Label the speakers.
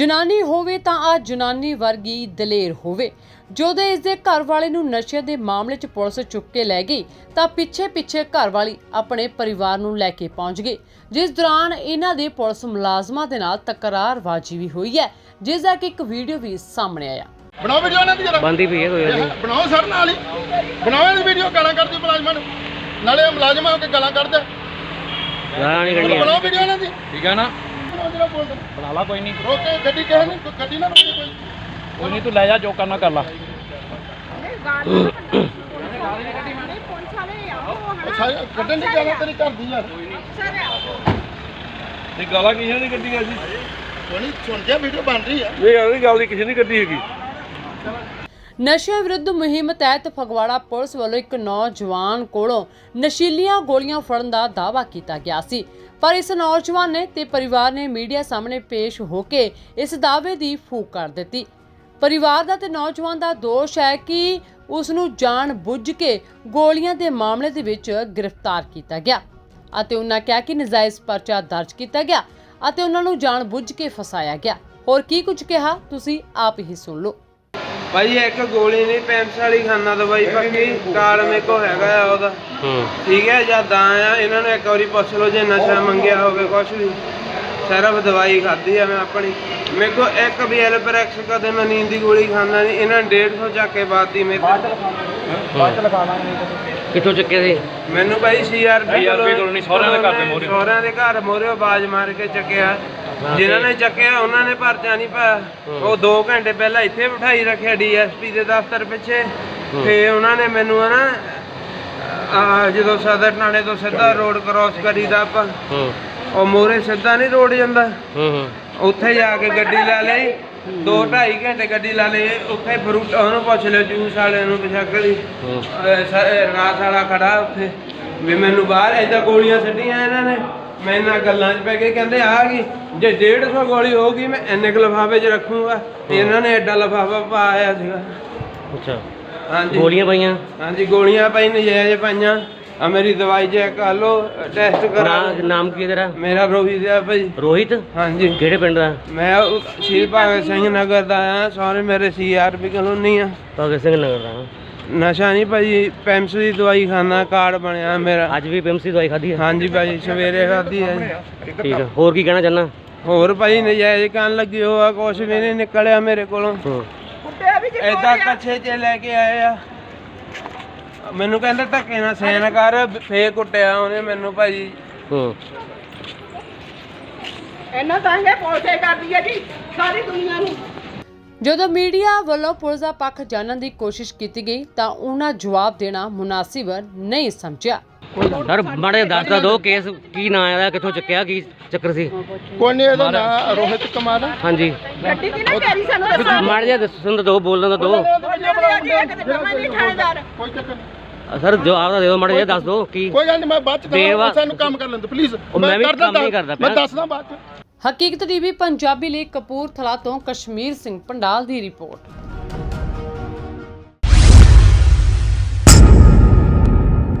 Speaker 1: ਜਨਾਨੀ ਹੋਵੇ ਤਾਂ ਆ ਜਨਾਨੀ ਵਰਗੀ ਦਲੇਰ ਹੋਵੇ। ਜਦੋਂ ਇਸ ਦੇ ਘਰ ਵਾਲੇ ਨੂੰ ਨਸ਼ੇ ਦੇ ਮਾਮਲੇ 'ਚ ਪੁਲਿਸ ਚੁੱਕ ਕੇ ਲੈ ਗਈ ਤਾਂ ਪਿੱਛੇ ਘਰ ਵਾਲੀ ਆਪਣੇ ਪਰਿਵਾਰ ਨੂੰ ਲੈ ਕੇ ਪਹੁੰਚ ਗਈ, ਜਿਸ ਦੌਰਾਨ ਇਹਨਾਂ ਦੇ ਪੁਲਿਸ ਮੁਲਾਜ਼ਮਾਂ ਦੇ ਨਾਲ ਤਕਰਾਰਬਾਜ਼ੀ ਵੀ ਹੋਈ ਹੈ, ਜਿਸ ਦਾ ਕਿ ਇੱਕ ਵੀਡੀਓ ਵੀ ਸਾਹਮਣੇ ਆਇਆ।
Speaker 2: ਬਣਾਓ ਵੀਡੀਓ ਇਹਨਾਂ ਦੀ ਜਰਾ
Speaker 3: ਬੰਦੀ ਪਈ ਹੈ ਕੋਈ ਨਹੀਂ
Speaker 2: ਬਣਾਓ ਸਰ ਨਾਲ ਹੀ ਬਣਾਓ ਇਹ ਵੀਡੀਓ ਗਾਲਾਂ ਕੱਢਦੀ ਮੁਲਾਜ਼ਮਾਂ ਨੂੰ ਨਾਲੇ ਮੁਲਾਜ਼ਮ ਆ ਕੇ ਗਾਲਾਂ ਕੱਢਦਾ
Speaker 3: ਗਾਲਾਂ ਨਹੀਂ ਕੱਢਣੀਆਂ
Speaker 2: ਬਣਾਓ ਵੀਡੀਓ ਇਹਨਾਂ ਦੀ
Speaker 4: ਠੀਕ ਹੈ ਨਾ
Speaker 2: ਬਣਾਓ ਜਿਹੜਾ ਬੋਲਦਾ
Speaker 4: ਬਣਾ ਲਾ ਕੋਈ ਨਹੀਂ
Speaker 2: ਰੋਕੇ ਗੱਡੀ ਕਿਸੇ ਨੇ ਗੱਡੀ ਨਾ ਰੋਕੇ
Speaker 4: ਕੋਈ ਨਹੀਂ ਤੂੰ ਲੈ ਜਾ ਜੋ ਕਰਨਾ ਕਰ ਲਾ
Speaker 2: ਕੱਢਣ ਦੀ ਗਾਲਾਂ ਤੇਰੀ ਘਰ ਦੀ ਯਾਰ
Speaker 4: ਤੇ ਗਾਲਾਂ ਕਿਸੇ ਨੇ ਕੱਢੀਆਂ ਸੀ
Speaker 2: ਕੋਈ ਸੁਣ ਗਿਆ ਵੀਡੀਓ ਬਣ ਰਹੀ ਆ
Speaker 4: ਇਹ ਉਹਦੀ ਗੱਲ ਦੀ ਕਿਸੇ ਨੇ ਕੱਢੀ ਹੈਗੀ।
Speaker 1: ਨਸ਼ਿਆਂ ਵਿਰੁੱਧ ਮੁਹਿੰਮ ਤਹਿਤ ਫਗਵਾੜਾ ਪੁਲਿਸ ਵੱਲੋਂ ਇੱਕ ਨੌਜਵਾਨ ਕੋਲੋਂ ਨਸ਼ੀਲੀਆਂ ਗੋਲੀਆਂ ਫੜਨ ਦਾ ਦਾਅਵਾ ਕੀਤਾ ਗਿਆ ਸੀ, ਪਰ ਇਸ ਨੌਜਵਾਨ ਨੇ ਤੇ ਪਰਿਵਾਰ ਨੇ ਮੀਡੀਆ ਸਾਹਮਣੇ ਪੇਸ਼ ਹੋ ਕੇ ਇਸ ਦਾਅਵੇ ਦੀ ਫੂਕ ਕਰ ਦਿੱਤੀ। ਪਰਿਵਾਰ ਦਾ ਤੇ ਨੌਜਵਾਨ ਦਾ ਦੋਸ਼ ਹੈ ਕਿ ਉਸ ਨੂੰ ਜਾਣ ਬੁੱਝ ਕੇ ਗੋਲੀਆਂ ਦੇ ਮਾਮਲੇ ਦੇ ਵਿੱਚ ਗ੍ਰਿਫਤਾਰ ਕੀਤਾ ਗਿਆ ਅਤੇ ਉਹਨਾਂ ਕਿਹਾ ਕਿ ਨਜਾਇਜ਼ ਪਰਚਾ ਦਰਜ ਕੀਤਾ ਗਿਆ ਅਤੇ ਉਹਨਾਂ ਨੂੰ ਜਾਣ ਬੁੱਝ ਕੇ ਫਸਾਇਆ ਗਿਆ। ਹੋਰ ਕੀ ਕੁਝ ਕਿਹਾ ਤੁਸੀਂ ਆਪ ਹੀ ਸੁਣ ਲਓ।
Speaker 5: ਭਾਈ ਇੱਕ ਗੋਲੀ ਨਹੀਂ ਪੈਂਸ ਵਾਲੀ ਖਾਨਾ ਦਵਾਈ ਪੱਕੀ ਕਾਰਡ ਮੇਰੇ ਕੋ ਹੈਗਾ ਆ ਉਹਦਾ। ਠੀਕ ਹੈ ਜਾਂ ਦਾ ਆ ਇਹਨਾਂ ਨੂੰ ਇੱਕ ਵਾਰੀ ਪੁੱਛ ਲਓ ਜੇ ਨਸ਼ਾ ਮੰਗਿਆ ਹੋਵੇ ਕੁਛ ਵੀ ਸਿਰਫ ਦਵਾਈ ਖਾਧੀ ਆ ਮੈਂ ਆਪਣੀ। ਮੇਰੇ ਕੋ ਇੱਕ ਵੀ ਐਲਪਰੈਕਸ ਕਦੇ ਮੈਂ ਨੀਂਦ ਦੀ ਗੋਲੀ ਖਾਂਦਾ ਨਹੀਂ। ਇਹਨਾਂ 150 ਚੱਕ ਕੇ ਬਾਤੀ ਮੇਰੇ
Speaker 3: ਕਿੱਥੋਂ ਚੱਕੇ ਸੀ?
Speaker 5: ਮੈਨੂੰ ਭਾਈ ਸੀਆਰਪੀ
Speaker 4: ਕਲੋਨੀ ਸਹੁਰਿਆਂ ਦੇ ਘਰ ਦੇ ਮੋਹਰੇ
Speaker 5: ਸਹੁਰਿਆਂ ਦੇ ਘਰ ਮੋਹਰੇ ਆਵਾਜ਼ ਮਾਰ ਕੇ ਚੱਕਿਆ। ਜਿਨ੍ਹਾਂ ਨੇ ਚੱਕਿਆ ਉਹਨਾਂ ਨੇ ਪਰਚਾ ਨਹੀਂ ਪਾਇਆ। ਉਹ 2 ਘੰਟੇ ਪਹਿਲਾਂ ਇੱਥੇ ਬਿਠਾਈ ਰੱਖਿਆ ਡੀਐਸਪੀ ਦੇ ਦਫ਼ਤਰ ਪਿੱਛੇ। ਤੇ ਉਹਨਾਂ ਨੇ ਮੈਨੂੰ ਨਾ ਜਦੋਂ ਸਦਰ ਥਾਣੇ ਤੋਂ ਸਿੱਧਾ ਰੋਡ ਕ੍ਰਾਸ ਕਰੀਦਾ ਆਪਾਂ ਉਹ ਮੋਹਰੇ ਸਿੱਧਾ ਨਹੀਂ ਰੋਡ ਜਾਂਦਾ ਉੱਥੇ ਜਾ ਕੇ ਗੱਡੀ ਲੈ ਲਈ। 2-2.5 ਘੰਟੇ ਗੱਡੀ ਲਾ ਲਈ। ਉੱਥੇ ਫਰੂਟ ਉਹਨੂੰ ਪੁੱਛ ਲਿਓ ਜੂਸ ਵਾਲੇ ਨੂੰ ਬਸ਼ੱਕਲੀ ਰਾਤ ਵਾਲਾ ਖੜਾ ਉੱਥੇ ਵੀ ਮੈਨੂੰ ਬਾਹਰ ਏਦਾਂ ਗੋਲੀਆਂ ਛੱਡੀਆਂ ਇਹਨਾਂ ਨੇ। ਮੈਂ ਇਹਨਾਂ ਗੱਲਾਂ 'ਚ ਪੈ ਕੇ ਕਹਿੰਦੇ ਆ ਗਈ ਜੇ 150 ਗੋਲੀ ਹੋਊਗੀ ਮੈਂ ਇੰਨੇ ਕੁ ਲਿਫਾਫੇ 'ਚ ਰੱਖੂਗਾ। ਇਹਨਾਂ ਨੇ ਐਡਾ ਲਿਫਾਫਾ ਪਾਇਆ ਸੀਗਾ।
Speaker 3: ਅੱਛਾ
Speaker 5: ਹਾਂਜੀ
Speaker 3: ਗੋਲੀਆਂ ਪਾਈਆਂ?
Speaker 5: ਹਾਂਜੀ ਗੋਲੀਆਂ ਪਾਈ ਨਜਾਇਜ਼ ਪਾਈਆਂ। ਆ ਮੇਰੀ ਦਵਾਈ ਚੈੱਕ ਕਰ ਲਓ ਟੈਸਟ ਕਰਾ।
Speaker 3: ਨਾਮ ਕੀ ਤੇਰਾ?
Speaker 5: ਮੇਰਾ ਰੋਹਿਤ ਆ ਭਾਈ।
Speaker 3: ਰੋਹਿਤ? ਹਾਂਜੀ। ਕਿਹੜੇ ਪਿੰਡ ਦਾ?
Speaker 5: ਮੈਂ ਸ਼ਹੀਦ ਭਗਤ ਸਿੰਘ ਨਗਰ ਦਾ ਆ। ਸਾਰੇ ਮੇਰੇ ਸੀਆਰਪੀ ਕਲੋਨੀ ਆ।
Speaker 3: ਭਗਤ ਸਿੰਘ ਨਗਰ ਦਾ?
Speaker 5: ਨਸ਼ਾ ਨਹੀਂ ਭਾਜੀ ਪੈਮਸ ਦੀ ਦਵਾਈ ਖਾਣਾ ਕਾਰਡ ਬਣਿਆ ਮੇਰਾ।
Speaker 3: ਅੱਜ ਵੀ ਪੈਮਸ ਦੀ ਦਵਾਈ ਖਾਧੀ ਹੈ?
Speaker 5: ਹਾਂਜੀ ਭਾਜੀ ਸਵੇਰੇ ਖਾਧੀ ਹੈ।
Speaker 3: ਠੀਕ ਹੈ। ਹੋਰ ਕੀ ਕਹਿਣਾ ਚਾਹੁੰਦਾ?
Speaker 5: ਹੋਰ ਭਾਜੀ ਨਜਾਇਜ਼ ਕਰਨ ਲੱਗੀ ਹੋਆ ਕੁਛ ਵੀ ਨਹੀਂ ਨਿਕਲਿਆ ਮੇਰੇ ਕੋਲੋਂ। ਏਦਾਂ ਕੱਛੇ 'ਚ ਲੈ ਕੇ ਆਏ ਆ। ਮੈਨੂੰ ਕਹਿੰਦਾ ਧੱਕੇ ਨਾਲ ਸੈਨ ਕਰ ਫੇਰ ਕੁੱਟਿਆ ਉਹਨੇ ਮੈਨੂੰ ਭਾਜੀ।
Speaker 6: ਇਹਨਾਂ ਤਾਂ ਇਹ ਪੋਸੇ ਕਰਦੀ ਹੈ ਜੀ ਸਾਰੀ ਦੁਨੀਆ ਨੂੰ।
Speaker 1: ਜਦੋਂ ਮੀਡੀਆ ਵੱਲੋਂ ਪੁਲਿਸ ਦਾ ਪੱਖ ਜਾਣਨ ਦੀ ਕੋਸ਼ਿਸ਼ ਕੀਤੀ ਗਈ ਤਾਂ ਉਹਨਾਂ ਜਵਾਬ ਦੇਣਾ ਮੁਨਾਸਿਬ ਨਹੀਂ ਸਮਝਿਆ।
Speaker 3: ਸਰ ਮਾੜੇ ਦੱਸ ਤਾਂ ਦਿਓ ਕੇਸ ਕੀ ਨਾਂ ਆਇਆ, ਕਿੱਥੋਂ ਚੱਕਿਆ, ਕੀ ਚੱਕਰ ਸੀ?
Speaker 2: ਕੋਈ ਨਹੀਂ ਇਹਦਾ ਨਾਂ ਰੋਹਿਤ ਕੁਮਾਰ।
Speaker 3: ਹਾਂਜੀ
Speaker 6: ਗੱਡੀ ਦੀ ਨਾ ਕੈਰੀ ਸਾਨੂੰ ਦੱਸੋ।
Speaker 3: ਮਾੜੇ ਜਿਹਾ ਦੱਸਣ ਤਾਂ ਦਿਓ, ਬੋਲਣ ਤਾਂ ਦਿਓ
Speaker 2: ਕੋਈ ਚੱਕਰ ਨਹੀਂ
Speaker 3: ਸਰ। ਜਵਾਬ ਤਾਂ ਦਿਓ, ਮਾੜੇ ਜਿਹਾ ਦੱਸ ਦਿਓ ਕੀ।
Speaker 2: ਕੋਈ ਗੱਲ ਨਹੀਂ ਮੈਂ ਬਾਅਦ ਚ ਸਾਨੂੰ ਕੰਮ ਕਰ ਲੈਂਦੇ ਪਲੀਜ਼।
Speaker 3: ਮੈਂ ਵੀ ਕੰਮ ਨਹੀਂ ਕਰਦਾ
Speaker 2: ਮੈਂ ਦੱਸਦਾ ਬਾਅਦ ਚ।
Speaker 1: ਹਕੀਕਤ ਟੀਵੀ ਪੰਜਾਬੀ ਲਈ ਕਪੂਰਥਲਾ ਤੋਂ ਕਸ਼ਮੀਰ ਸਿੰਘ ਪੰਡਾਲ ਦੀ ਰਿਪੋਰਟ।